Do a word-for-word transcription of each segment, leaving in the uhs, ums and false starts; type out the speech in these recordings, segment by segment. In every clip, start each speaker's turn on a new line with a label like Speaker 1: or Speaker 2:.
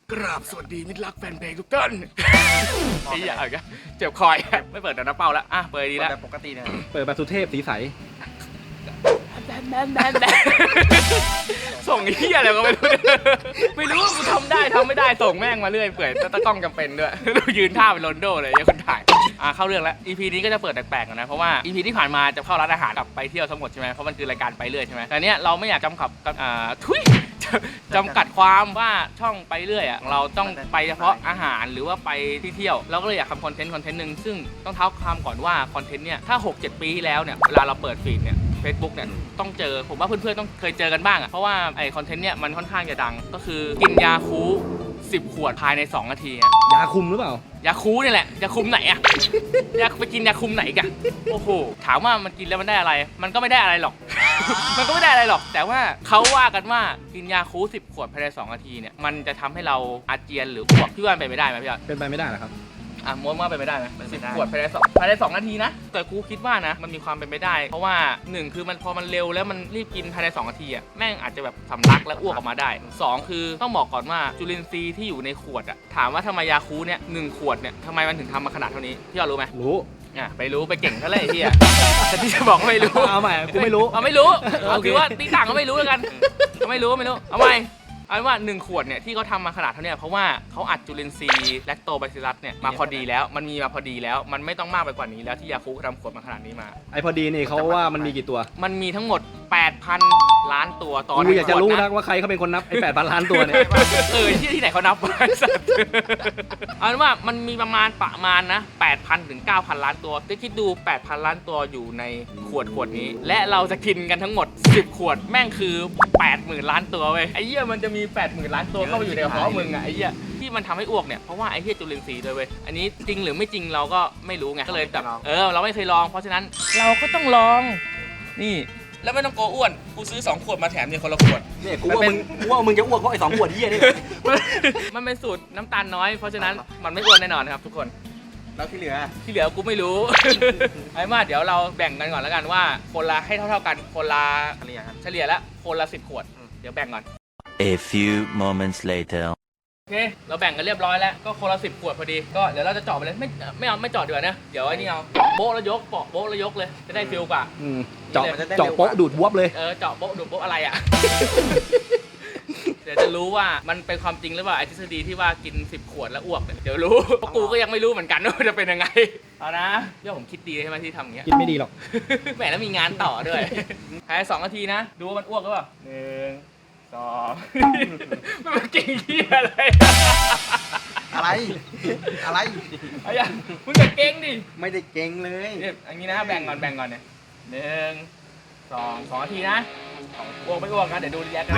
Speaker 1: กราบสวัสดีมิตรรักแฟนเพลงทุกท่านไอ้ยาอีกเจ็บคอยไม่เปิดแต่น้ำเป้าแล้วอ่ะเปิดดีแล้ว
Speaker 2: ปกติเนี่ย
Speaker 3: เปิดแบบสุเทพสีใส
Speaker 1: แบนแบนแบนแบนส่งเฮียอะไรก็ไม่รู้ไม่รู้ว่ากูทำได้ทำไม่ได้ส่งแม่งมาเรื่อยเปื่อยตะกล้องจำเป็นด้วยยืนท่าเป็นโรนโดเลยยังคนถ่ายอ่ะเข้าเรื่องแล้ว อี พี นี้ก็จะเปิดแปลกๆกันนะเพราะว่า อี พี ที่ผ่านมาจะเข้าร้านอาหารกับไปเที่ยวทั้งหมดใช่ไหมเพราะมันคือรายการไปเรื่อยใช่ไหมแต่เนี้ยเราไม่อยากจำกัดอ่าทุยจำกัดความว่าช่องไปเรื่อยอ่ะเราต้องไปเฉพาะอาหารหรือว่าไปที่เที่ยวเราก็เลยอยากทำคอนเทนต์คอนเทนต์หนึ่งซึ่งต้องเท้าความก่อนว่าคอนเทนต์เนี่ยถ้า หกเจ็ด ปีที่แล้วเนี่ยเวลาเราเปิดฟีดเนี่ย Facebook เนี่ยต้องเจอผมว่าเพื่อนๆต้องเคยเจอกันบ้างอ่ะเพราะว่าไอคอนเทนต์เนี่ยมันค่อนข้างจะดังก็คือกินยาคูสิบขวดภายในสองนาทีอ่ะ
Speaker 3: ยาคุมหรือเปล่าย
Speaker 1: าคูนี่แหละยาคุมไหนอ่ะยาไปกินยาคุมไหนกันโอ้โหถามว่ามันกินแล้วมันได้อะไรมันก็ไม่ได้อะไรหรอก มันก็ไม่ได้อะไรหรอกแต่ว่าเขาว่ากันว่ากินยาคูสิบขวดภายในสองนาทีเนี่ยมันจะทำให้เราอาเจียนหรืออ้วกพี่ว่าเป็นไปได้ไหมพี่ยอด
Speaker 3: เป็นไปไม่ได้หรอครับ
Speaker 1: อ่ะม้วนว่าเป็นไปได้ไหมสิบขวดภายในสองภายในสองนาทีนะแต่กูคิดว่านะมันมีความเป็นไปได้เพราะว่าหนึ่งคือมันพอมันเร็วแล้วมันรีบกินภายในสองนาทีอ่ะแม่งอาจจะแบบสำลักและอ้วกออกมาได้สองคือต้องบอกก่อนว่าจุลินทรีย์ที่อยู่ในขวดอ่ะถามว่าทำไมยาคูเนี่ยหนึ่งขวดเนี่ยทำไมมันถึงทำมาขนาดเท่านี้พี่ยอดรู้ไหม
Speaker 3: รู้
Speaker 1: อ่ะไปรู้ไปเก่งเท่าไหร่พี่อ่ะแต่ที่จะบอกไม่รู้
Speaker 3: เอาใหม่กูไม่รู้
Speaker 1: เอาไม่รู้เอาคือว่าตีต่างก็ไม่รู้แล้วกันก็ไม่รู้ไม่รู้เอาใหม่เอาเป็นว่าหนึ่งขวดเนี่ยที่เขาทำมาขนาดเท่านี้เพราะว่าเขาอัดจุลินทรีย์แลคโตไบซิลลัสเนี่ยมาพอดีแล้วมันมีมาพอดีแล้วมันไม่ต้องมากไปกว่านี้แล้วที่ยาคูทำขวดมาขนาดนี้มา
Speaker 3: ไอพอดีนี่เขาว่ามันมีกี่ตัว
Speaker 1: มันมีทั้งหมด แปดพัน ล้านตัวตอน
Speaker 3: กูอยากจะรู้นะว่าใครเขาเป็นคนนับไอแปดพันล้านตัวเนี่ย
Speaker 1: เออที่ที่ไหนเขานับไว้สัตว์เอาเป็นว่ามันมีประมาณประมาณนะ แปดพัน ถึง เก้าพัน ล้านตัวจะคิดดู แปดพัน ล้านตัวอยู่ในขวดขวดนี้และเราจะกินกันทั้งหมดสิบขวดแม่งคือ แปดหมื่น ล้านตัวเว้ยไอ้เหี้ยมันจะมี แปดหมื่น ล้านตัวเข้าไปอยู่ในกระเพาะมึงอ่ะไอ้เหี้ยที่มันทำให้อ้วกเนี่ยเพราะว่าไอ้เหี้ยจุลินทรีย์ด้วยเว้ยอันนี้จริงหรือไม่จริงเราก็ไม่รู้ไงก็เลยแบบเออเราไม่เคยลองเพราะฉะนั้นเราก็ต้องลองนี่แล้วไม่ต้องโกอ้วนกูซื้อสองขวดมาแถมเนี่ยคนละขวด
Speaker 3: เนี่ยกูว่ามึงกูว่ามึงจะอ้วกเพราะไอ้สองขวดเหี้ยนี่
Speaker 1: มันเป็นสูตรน้ำตาลน้อยเพราะฉะนั้นมันไม่อ้วนแน่นอนครับทุกคน
Speaker 2: แล้วที่เหลือ
Speaker 1: ที่เหลือกูไม่รู้ ไอ้มาเดี๋ยวเราแบ่งกันก่อนแล้วกันว่าคนละให้เท่าๆกันคนละเฉลี่ยเฉลี่ยแล้วคนละสิบขวดเดี๋ยวแบ่งก่อน
Speaker 4: A few moments later
Speaker 1: โอเคเราแบ่งกันเรียบร้อยแล้วก็คนละสิบขวดพอดีก็เดี๋ยวเราจะเจาะไปเลยไม่ไม่เอาไม่เจาะดีกว่านะเดี๋ยวไอ้นี่เอาโบ๊ะแล้วยกเปาะโบ๊ะแล้วยกเลยจะได้ฟิลกว่า
Speaker 3: เจาะเจาะโป๊ะดูดวบเลย
Speaker 1: เออเจาะโบ๊ะดูดโบ๊ะอะไรอ่ะ เดี๋ยวจะรู้ว่ามันเป็นความจริงหรือเปล่าไอ้ทฤษฎีที่ว่ากินสิบขวดแล้วอ้วกเนี่ยเดี๋ยวรู้เพราะกูก็ยังไม่รู้เหมือนกันว่าจะเป็นยังไงเอานะเรื่องผมคิดดีใช่ไหมที่ทำอย่างเงี้ย
Speaker 3: คิดไม่ดีหรอก
Speaker 1: แหมแล้วมีงานต่อด้วยภายในสองนาทีนะดูว่ามันอ้วกหรือเปล่าหนึ่งสองมันเก่งที่อะไร
Speaker 2: อะไรอะไร
Speaker 1: อะไรอย่างมึงจะเก่งดิ
Speaker 2: ไม่ได้เก่งเลย
Speaker 1: เนี่ยอย่างนี้นะแบ่งก่อนแบ่งก่อนเนี่ยหนึ่งสองสองนาทีนะอ้วกไม่อ้วกนะเดี๋ยวดูรีแอคกัน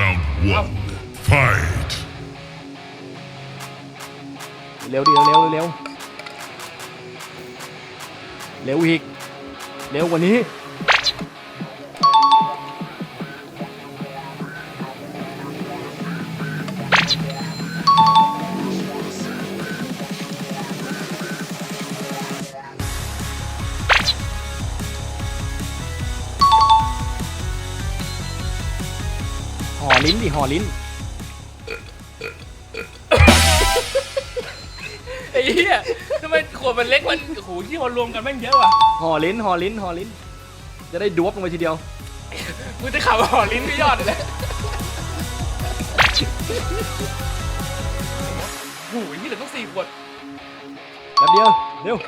Speaker 3: เร็วดิเร็วเร็วเร็วอีกเร็วกว่านี้ห่อลิ้นดิห่อลิ้น
Speaker 1: ไอ้เหี้ยทำไมขวดมันเล็กมันโอ้โหที่มันรวมกันแม่งเยอะว่ะ
Speaker 3: ห่อลิ้นห่อลิ้นห่อลิ้นจะได้ดวบลงไปทีเดียว
Speaker 1: มึงจะขับห่อลิ้นไม่ยอดเลยโอ้โหนี่เหลือต้องสี่ขวด
Speaker 3: แป๊บเดียวเร็ว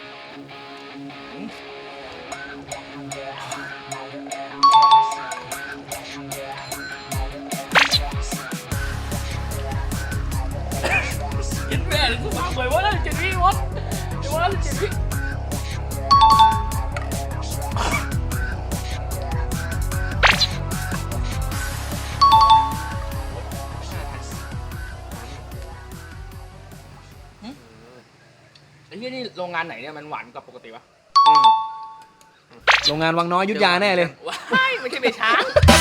Speaker 1: แม่หรือกูฟังเลยว่าแล้วเจ็ดวิวะเดี๋ยวว่าแล้วเจ็ดวิไอ้เหี้ยนี่โรงงานไหนเนี่ยมันหวานกว่าปกติวะ
Speaker 3: โรงงานวังน้อยยุทธยาแน่เลย
Speaker 1: ว้ายไม่ใช่เบช้าง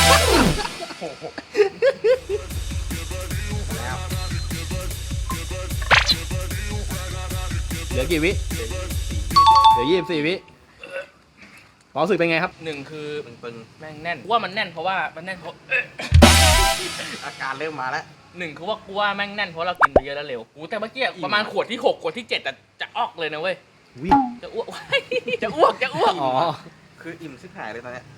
Speaker 3: เหลือกี่วิเหลือยี่สิบสี่วิความรู้สึกเป็นไงครับ
Speaker 1: หนึ่งคือแม่งแน่นว่ามันแน่นเพราะว่ามันแน่นเพราะ
Speaker 2: อาการเริ่มมาแล้ว
Speaker 1: หนึ่งคือว่ากูว่าแม่งแน่นเพราะเรากินไปเยอะแล้วเร็วกูแต่เมื่อกี้ประมาณขวดที่หกขวดที่เจ็ดแต่จะออกเลยนะเว้ย
Speaker 3: วิ
Speaker 1: จะอ้วก จะอ้วกจะอ้วก
Speaker 3: อ๋อ
Speaker 2: คืออิ่มชิบหายเลยตอนเนี้ย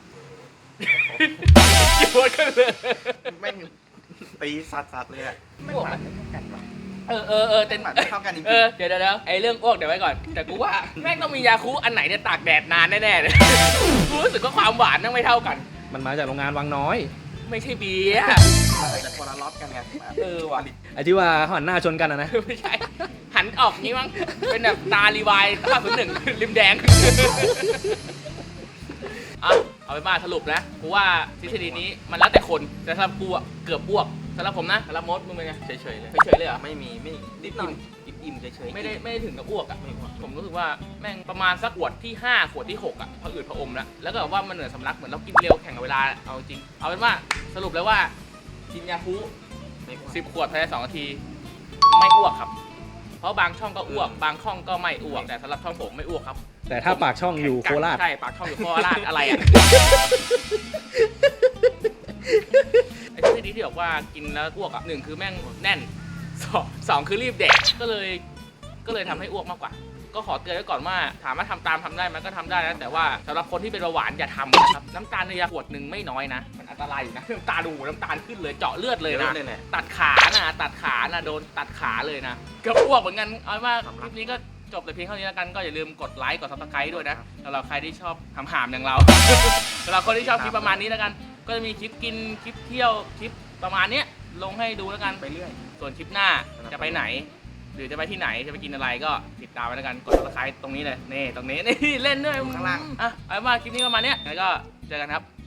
Speaker 1: จะอ้วกกันเลย
Speaker 2: แม่งตีสัดๆเลยอะไม่หวานไม่เท่ากันหรอ
Speaker 1: เออเออเออแต่
Speaker 2: หวานไม่เท่ากันจริง
Speaker 1: เออเดี๋ยวเดี๋ยวเดี๋ยวไอ้เรื่องอ้วกเดี๋ยวไว้ก่อนแต่กูว่าแม่งต้องมียาคูอันไหนเนี่ยตากแดดนานแน่ๆเลยกูรู้สึกว่าความหวานนั่งไม่เท่ากัน
Speaker 3: มันมาจากโรงงานวังน้อย
Speaker 1: ไม่ใช่เบียร์
Speaker 2: แต่คนละล็อตกันไง
Speaker 1: เออว่ะ
Speaker 3: ไอ้ที่ว่าเขาหันหน้าชนกันอะนะ
Speaker 1: ไม่ใช่หันออกงี้มั้งเป็นแบบตารีวายตาศูนย์หนึ่งริมแดงอ่ะเอาไปนว่าสรุปนะกูว่าทฤษฎีนี้มันแล้วแต่คนแต่สำหรับกูอะเกือบอ้วกสำหรับผมนะสำหรับมดมึงเป็นไง
Speaker 2: เฉยๆเลย
Speaker 1: เฉยๆเลยเหรอ
Speaker 2: ไม่มีไม่นิดหน่อยอิ่มๆเฉยๆ
Speaker 1: ไม่ได้ไม่ได้ถึงกับอ้วกอ่ะผมรู้สึกว่าแม่งประมาณสักขวดที่ห้าขวดที่หกอ่ะพออืดพออมแล้วแล้วก็แบบว่ามันเหนื่อยสำลักเหมือนเรากินเร็วแข่งกับเวลาเอาจริงเอาเป็นว่าสรุปแล้วว่ากินยาคูสิบขวดภายในสองนาทีไม่อ้วกครับเพราะบางช่องก็อ้วกบางช่องก็ไม่อ้วกแต่สำหรับช่องผมไม่อ้วกครับ
Speaker 3: แต่ถ้าปากช่องอยู่โคราช
Speaker 1: ใช่ปากช่องอยู่โคราชอะไรอ่ะไอ้ที่ดีที่บอกว่ากินแล้วอ้วกอ่ะหนึ่งคือแม่งแน่นสองสองคือรีบแดกก็เลยก็เลยทำให้อ้วกมากกว่า ก็ขอเตือนไว้ก่อนว่าถามว่าทำตามทำได้ไหมก็ทำได้นะแต่ว่าสำหรับคนที่เป็นเบาหวานอย่าทำนะครับน้ำตาลในยาขวดหนึ่งไม่น้อยนะมันอันตรายอยู่นะน้ำตาดูน้ำตาลขึ้นเลยเจาะเลือดเลยนะ
Speaker 2: เลยแหละ
Speaker 1: ตัดขานะตัดขานะโดนตัดขาเลยนะเกือบอ้วกเหมือนกันเอาเป็นว่าคลิปนี้ก็จบแต่เพียงเท่านี้แล้วกันก็อย่าลืมกดไลค์กดซับสไครต์ด้วยนะสำหรับใครที่ชอบหำๆอย่างเรา สำหรับคนที่ชอบคลิปประมาณนี้แล้วกัน ก็จะมีคลิปกินคลิปเที่ยวคลิปประมาณเนี้ยลงให้ดูแล้วกัน
Speaker 2: ไปเรื่อย
Speaker 1: ส่วนคลิปหน้าจะไปไหน หรือจะไปที่ไหนจะไปกินอะไรก็ติดตามไว้แล้วกันกดซับสไครต์ตรงนี้เลยนี่ตรงนี้นี่เล่นด้วย
Speaker 2: ข้างล่าง
Speaker 1: อ่ะเอาเป็นว่าคลิปนี้ประมาณเนี้ยแล้วก็เจอกันครับ